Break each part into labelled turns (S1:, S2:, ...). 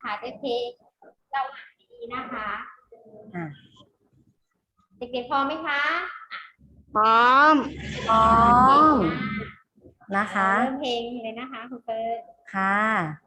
S1: ถ่ายด้วยเพลงเราอ่านดีๆนะคะเด็กๆพร้อมไหมคะ
S2: พร้อม
S3: นะคะ
S1: เริ่มเพลงเลยนะคะคุณเฟิร์น
S3: ค่ะ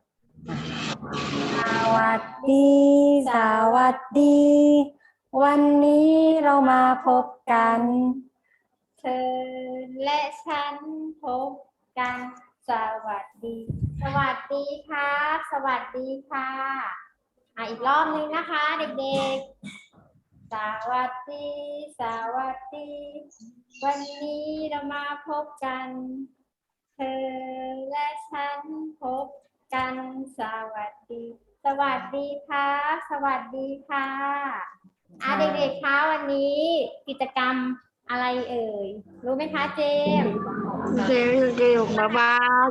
S3: สวัสดีสวัสดี วันนี้เรามาพบกัน
S1: เธอและฉันพบกันสวัสดี สวัสดีครับสวัสดีค่ะอีกรอบนึงนะคะเด็กๆสวัสดีสวัสดีวันนี้เรามาพบกันเธอและฉันพบกันสวัสดีสวัสดีครับสวัสดีค่ะเด็กๆคะวันนี้กิจกรรมอะไรเอ่ยรู้ไหมคะเจมส์
S2: เร็วมาบ้าง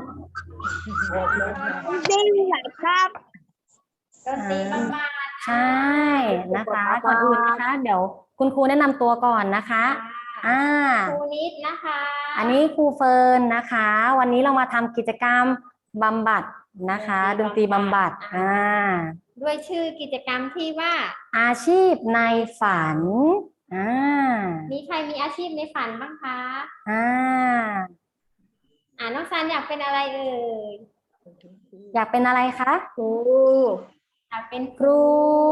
S2: ได้ไหมครับ
S1: ดนตรีบำบัด
S3: ใช่นะคะก่อนอื่นนะคะเดี๋ยวคุณครูแนะนำตัวก่อนนะคะ
S1: ครูนิดนะคะ
S3: อันนี้ครูเฟิร์นนะคะ วันนี้เรามาทำกิจกรรมบำบัดนะคะดนตรีบำบัด
S1: ด้วยชื่อกิจกรรมที่ว่า
S3: อาชีพในฝัน
S1: มีใครมีอาชีพในฝันบ้างคะน้องซันอยากเป็นอะไรเอ่ย
S3: อยากเป็นอะไรคะ
S2: ครู
S1: อยากเป็น
S3: ครู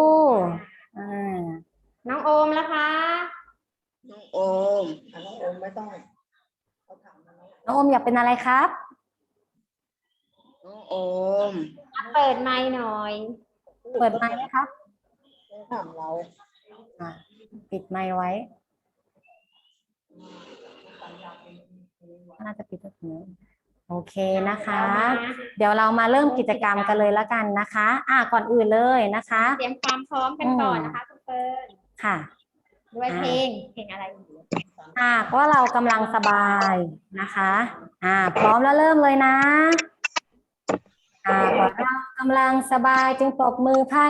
S1: น้องโอมล่ะคะ
S2: น้องโอมไม่ต้อง
S3: น้องโอมอยากเป็นอะไรครับ
S2: น้องโอม
S1: เปิดไมค์หน่อย
S3: เปิดไมค์ไหมครับ
S2: ถามเรา
S3: ปิดไมค์ไว้น่าจะปิดตรงนี้โอเคนะคะเดี๋ยวเรามาเริ่มกิจกรรมกันเลยแล้วกันนะคะก่อนอื่นเลยนะคะ
S1: เตรียมความพร้อมกันก่อนนะคะคุณเฟิร์น
S3: ค่ะ
S1: ด้วยเพลงอะไร
S3: ก็เรากำลังสบายนะคะพร้อมแล้วเริ่มเลยนะเรากำลังสบายจึงตบมือพัน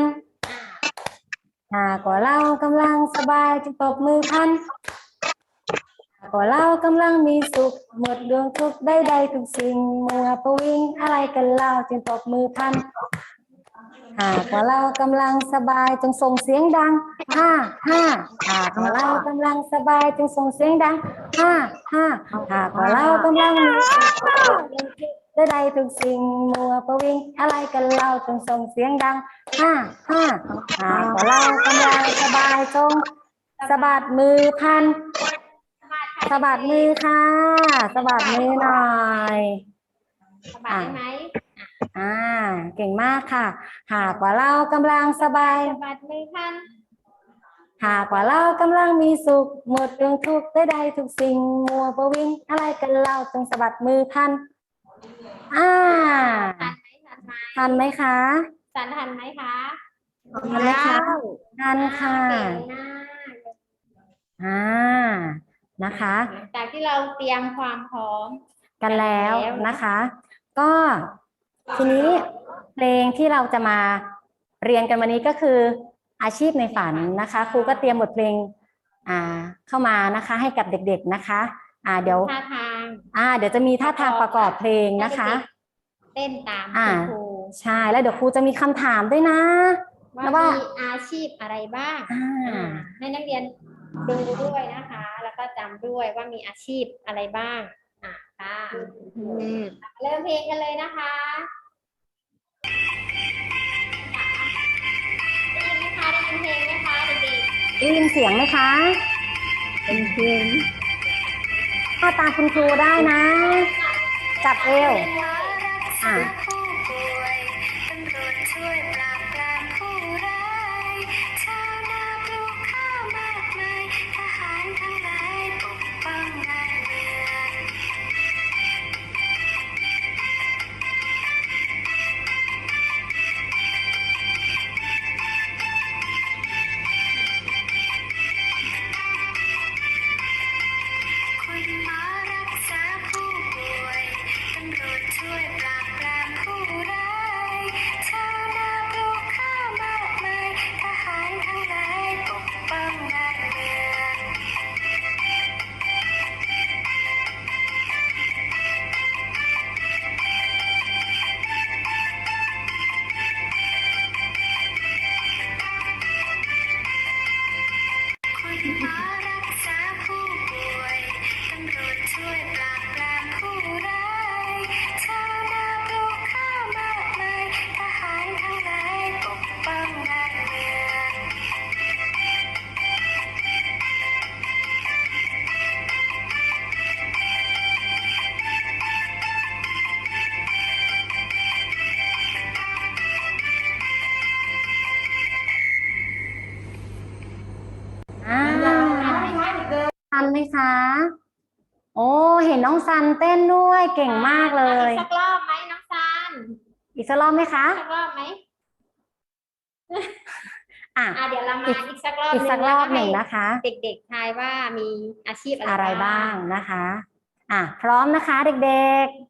S3: ก็เรากำลังสบายจึงตบมือพันก็เรากำลังมีสุขหมดดวงทุกข์ได้ทุกสิ่งมัวประวิงอะไรกันเล่าจึงตบมือพันก็เรากำลังสบายจงส่งเสียงดังก็เรากำลังสบายจงส่งเสียงดังก็เรากำลังมีสุขได้ทุกสิ่งมัวประวิงอะไรกันเล่าจงส่งเสียงดังก็เรากำลังสบายจงสะบัดมือพันสะบัดมือค่ะสะบัดมือหน่อย
S1: สะบัดได้ไหม
S3: เก่งมากค่ะหากว่าเรากำลังสบาย
S1: สะบัดมือพัน
S3: หากว่าเรากำลังมีสุขหมดเรื่องทุกข์ได้ทุกสิ่งมัวประวิงอะไรกันเล่าจงสะบัดมือพันทันไหมคะ
S1: ทันไหมคะ
S3: ทันไหมคะทันค่ะนะคะ
S1: จากที่เราเตรียมความพร้อม
S3: กันแล้วนะคะก็ทีนี้เพลงที่เราจะมาเรียนกันวันนี้ก็คืออาชีพในฝันนะคะครูก็เตรียมบทเพลงเข้ามานะคะให้กับเด็กๆนะคะเดี๋ยว
S1: ท่าทาง
S3: เดี๋ยวจะมีท่าทางประกอบเพลงนะคะ
S1: เต้นตามครู
S3: ใช่แล้วเดี๋ยวครูจะมีคำถามด้วยนะ
S1: ว่ามีอาชีพอะไรบ้างให้นักเรียนดูด้วยนะคะแล้วก็จำด้วยว่ามีอาชีพอะไรบ้างค่ะเริ่มเพลงกันเลยนะคะได้ยินไหมคะได้ยินเพลงไหมคะเด็กๆ
S3: ได้ยินเสียงไหมคะ
S2: เป็นเพลง
S3: ก็ตามคุณครูได้นะจับเอว
S4: ช่วยปราบปราม
S3: คะโอ้เห็นน้องซันเต้นด้วยเก่งมากเลย
S1: อีกสักรอบไหมน้องซัน
S3: อีกสักรอบไหมคะ
S1: สักรอบไหม
S3: อ่ะ
S1: เดี๋ยวเรามาอีกสักรอบ
S3: อีกสักรอบหนึ่ง
S1: แล้ว
S3: นะคะ
S1: ให้เด็กๆทายว่ามีอาชีพ
S3: อะไรบ้างนะคะ พร้อมนะคะเด็กๆ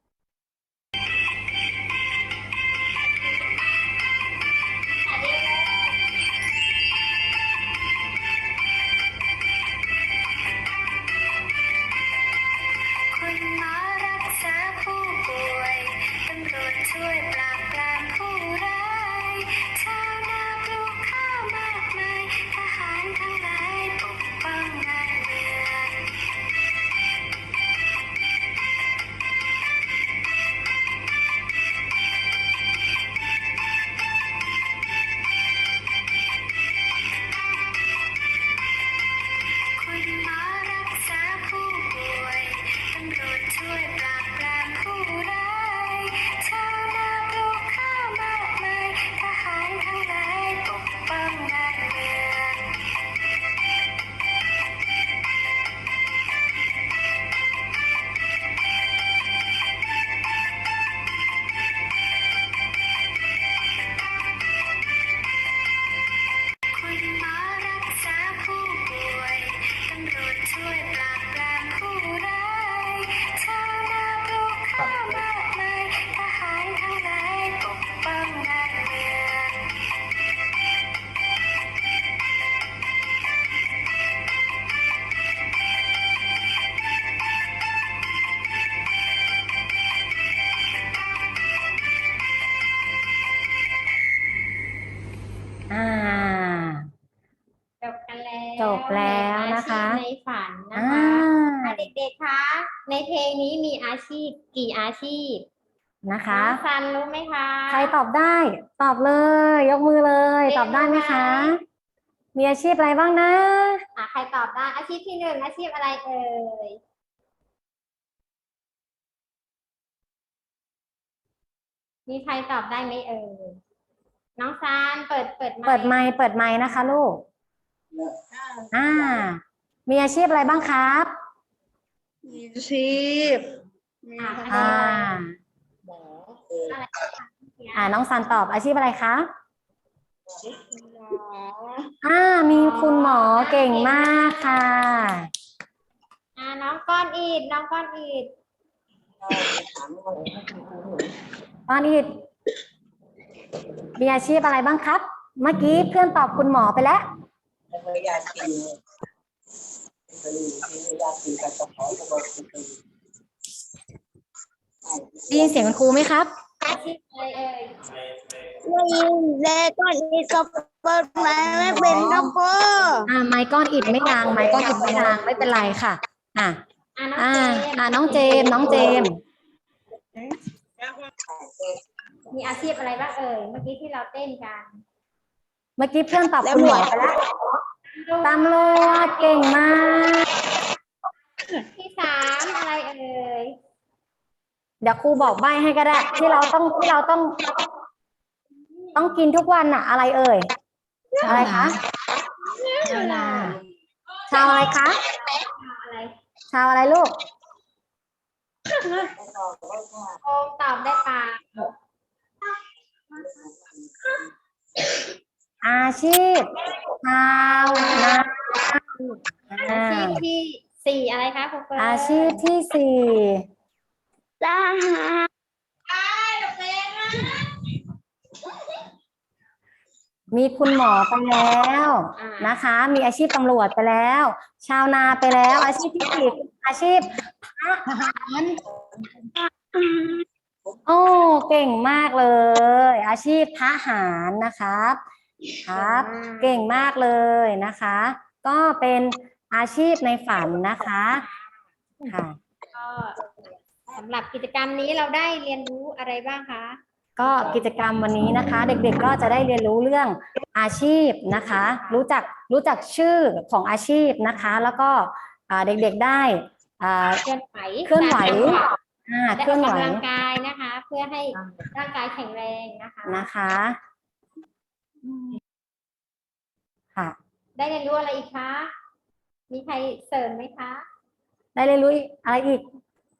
S4: คุณหมอรักษาผู้ป่วยตำรวจช่วยปราบปรามผู้ร้ายชาวนาปลูกข้าวมากมายทหารทั้งหลายปกป้องบ้านเมือง คุณหมอรักษาผู้ป่วยตำรวจช่วยปราบปรามผู้ร้ายชาวนาปลูกข้าวมากมายทหารทั้งหลายปกป้องบ้านเมือง คุณหมอรักษาผู้ป่วยตำรวจช่วยปราบปรามผู้ร้ายชาวนาปลูกข้าวมากมายทหารทั้งหลายปกป้องบ้านเมือง
S3: อ่า
S1: จบกันแล้ว
S3: จบแล้วนะคะ
S1: อาชีพในฝันนะ
S3: อ่า
S1: คะเด็กๆคะในเพลงนี้มีอาชีพกี่อาชีพ
S3: นะคะ
S1: น้องซันรู้ไหมคะ
S3: ใครตอบได้ ตอบเลย ยกมือเลย ตอบได้ไหมคะ มีอาชีพอะไรบ้างนะ
S1: ใครตอบได้อาชีพที่หนึ่งอาชีพอะไรเอ่ยมีใครตอบได้ไหมเอ่ยน้องซันเปิดไมค์
S3: เปิดไมค์นะคะลูก มีอาชีพอะไรบ้างครับ
S2: มีชีพมี
S3: อ่า
S2: หมอ
S3: น้องซันตอบอาชีพอะไรคะ
S2: หมอ
S3: มีคุณหมอเก่งมากค่ะ
S1: น้องก้อนอีดน้องก้อนอีด
S2: ถามว่า
S3: ตอนนี้มีอาชีพอะไรบ้างครับ เมื่อกี้เพื่อนตอบคุณหมอไปแล้ว
S2: อยากกินอยากกินกับกระเพาะกระบอก
S3: ได้ยินเสียงคุณครูไหมครับ
S1: อาชีพอะไรเอ่ย
S2: ได้ยินแล้วก็นี่ก็เปิดมาไม่เป็นครับพ่อ
S3: ไมค์ก้อนอิดไม่ดังไมค์ก้อนอิดไม่ดังไม่เป็นไรค่ะ น้องเจมส์น้องเจมส์
S1: มีอาชีพอะไรบ้างเอ่ยเมื่อกี้ที่เราเต้นกัน
S3: เมื่อกี้เพื่อนตอบคุณหมอไปแล้วตำรวจเก่งมาก
S1: ที่สามอะไรเอ่ย
S3: เดี๋ยวครูบอกใบ้ให้ก็ได้ ที่เราต้องกินทุกวันอะอะไรเอ่ยอะไรคะชาวนาชาวอะไรคะ
S1: อะไร
S3: ชาวอะไรลูก
S1: โอมตอบได้ปะ
S3: อาชีพชาวนา
S1: อาชีพที่สี่อะไรคะครูเฟิร์น
S3: อาชีพที่สี่
S2: ทหาร
S3: มีคุณหมอไปแล้วนะคะ มีอาชีพตำรวจไปแล้ว ชาวนาไปแล้ว อาชีพที่สี่อาชีพทหารโอ้เก่งมากเลย อาชีพทหารนะครับครับ เก่งมากเลยนะคะ ก็เป็นอาชีพในฝันนะคะค่ะ
S1: ก็สำหรับกิจกรรมนี้เราได้เรียนรู้อะไรบ้างคะ
S3: ก็กิจกรรมวันนี้นะคะ เด็กๆก็จะได้เรียนรู้เรื่องอาชีพนะคะ รู้จักชื่อของอาชีพนะคะ แล้วก็เด็กๆได้
S1: เคลื่อนไหว
S3: เคลื่อนไหว
S1: ได้
S3: เคลื่อนไหว
S1: กำลังกายนะคะ เพื่อให้ร่างกายแข็งแรงนะคะ
S3: นะคะค่ะ
S1: ได้เรียนรู้อะไรอีกคะมีใครเสริมไหมคะ
S3: ได้เรียนรู้อะไรอีก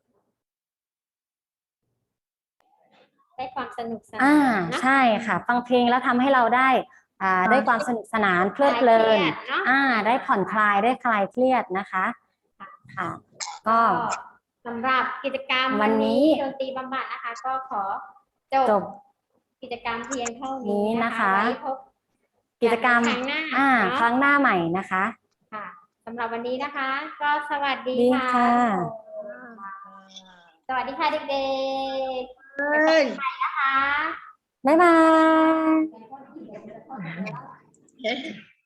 S1: ได้ความสนุกสนาน
S3: อ่า
S1: เนอะ
S3: ใช่ค่ะ ฟังเพลงแล้วทำให้เราได้ได้ความสนุกสนานเพลิดเพลิน
S1: คลายเครียดเนอะ
S3: ได้ผ่อนคลายได้คลายเครียดนะคะค่ะ ก็
S1: ก็สำหรับกิจกรรม
S3: วั
S1: วัน
S3: นนี้
S1: นี้ดนตรีบำบัดนะคะ ก็ขอจ
S3: จ
S1: บบ กิจกรรมเพียงเท่านี้
S3: นี้
S1: นะ
S3: นะคะ คะ
S1: ไว้พบ
S3: กิจกรรม
S1: ครั้งหน้า
S3: ค
S1: เนาะ
S3: รั้งหน้าใหม่นะคะ
S1: ค่ะสำหรับวันนี้นะคะ ก็สวัสดี
S3: ดี
S1: ค่ะ
S3: ค่ะ
S1: สวัสดีค่ะเด็กๆไปพบกันใหม่นะคะ
S3: บ๊ายบาย